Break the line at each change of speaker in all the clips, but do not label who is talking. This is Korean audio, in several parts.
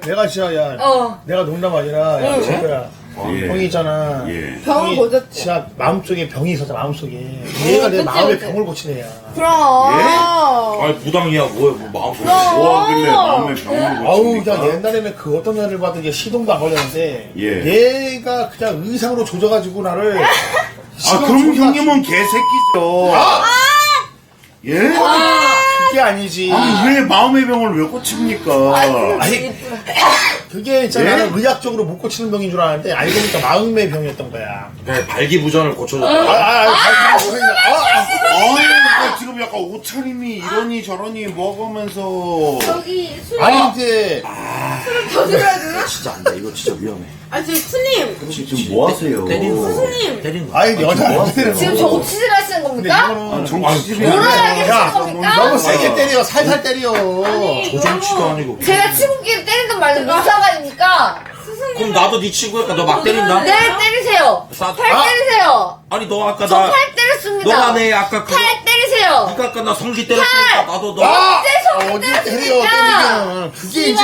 내가 진짜 야 내가 농담 아니라 야 친구야 병이 있잖아.
병을 고쳤지.
진짜 마음속에 병이 있었어 마음속에. 얘가 내 마음에 병을 고친 애야.
그럼.
아니 무당이야 뭐야 뭐 마음속에 뭐 하길래 마음에 병을
아우
고칩니까?
그냥 옛날에는 그 어떤 애를 봐도 이게 시동도 안 걸렸는데 얘가 그냥 의상으로 조져가지고 나를
아 그럼 형님은 개새끼죠. 예?
그게 아니지.
아니 왜 마음의 병을 왜 고칩니까?
아니 그게 있잖아. 나는 의학적으로 못 고치는 병인 줄 알았는데 알고 보니까 마음의 병이었던 거야.
네, 발기부전을 고쳐줬다.
아니
아니 지금 약간 옷차림이 이러니 저러니 먹으면서
저기 수님.
아니 이제
술을 더 드려야 되나?
진짜 안돼 이거 진짜 위험해.
아 지금 스님.
지금 뭐 하세요?
스님.
때리는 거.
아니 여자 뭐 하세요?
지금 저 옥시즌 하시는 겁니까?
이거는
정치질이
불안하게
야,
하시는 겁니까?
너무 세게 때려 살살 때려.
조정치도 아니고.
제가 친구끼리 때리든 말든 무슨 상관입니까?
그럼 나도 네 친구니까 너 막 때린다?
네, 때리세요.
싸-
팔
아!
때리세요.
아니 너 아까
저
나
팔 때렸습니다.
너가 내 아까 그
팔 때리세요.
네가 아까 나 성기 때렸으니까 나도 너
언제 손을
어디 때려
때렸습니까?
때리면 그게 이제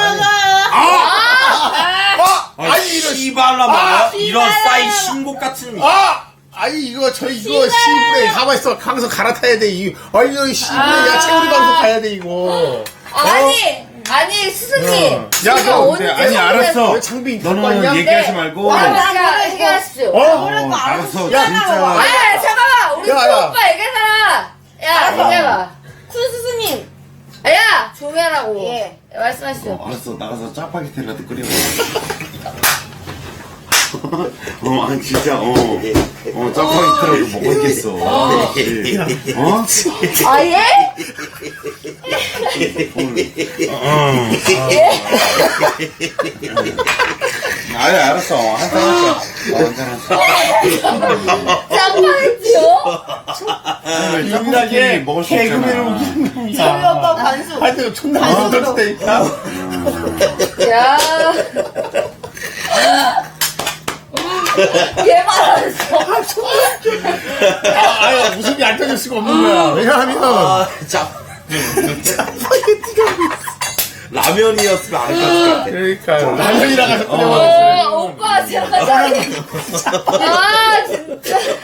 아니 이런 씨발라 말이야? 이런 싸이 신곡 같은
아니 이거 저 이거 시부에 가만 있어 방송 갈아타야 돼. 이 이거 시부에 야 채우리 방송 가야 돼 이거.
아니 스승님.
야,
제가
너
언제
아니,
손을
알았어.
왜 창빈
너는 얘기하지 말고
얘기하십시오.
알았어 진짜
아 잠깐만 우리
야,
큰
야.
오빠 얘기하잖아. 야 얘기해봐.
쿤 스승님.
야 조용히 하라고.
예.
말씀하시죠.
알았어 나가서 짜파게티라도 끓여 아니 진짜 짜파게티라도 먹어야겠어
아 예?
아니 알았어 한잔
짱파겠지요?
유일하게
먹을 수
개그맨을
있잖아
웃기는
저희 오빠 반수.
하여튼 존나 웃겼다니까.
야. 얘 말았어.
아유 웃음이 안 터질 수가 없는 거야. 왜냐하면
라면이었으면 안 했을 것 같아
그러니까요. 라면이라 가서 끓여 먹었어요.
오빠 제가 아 진짜.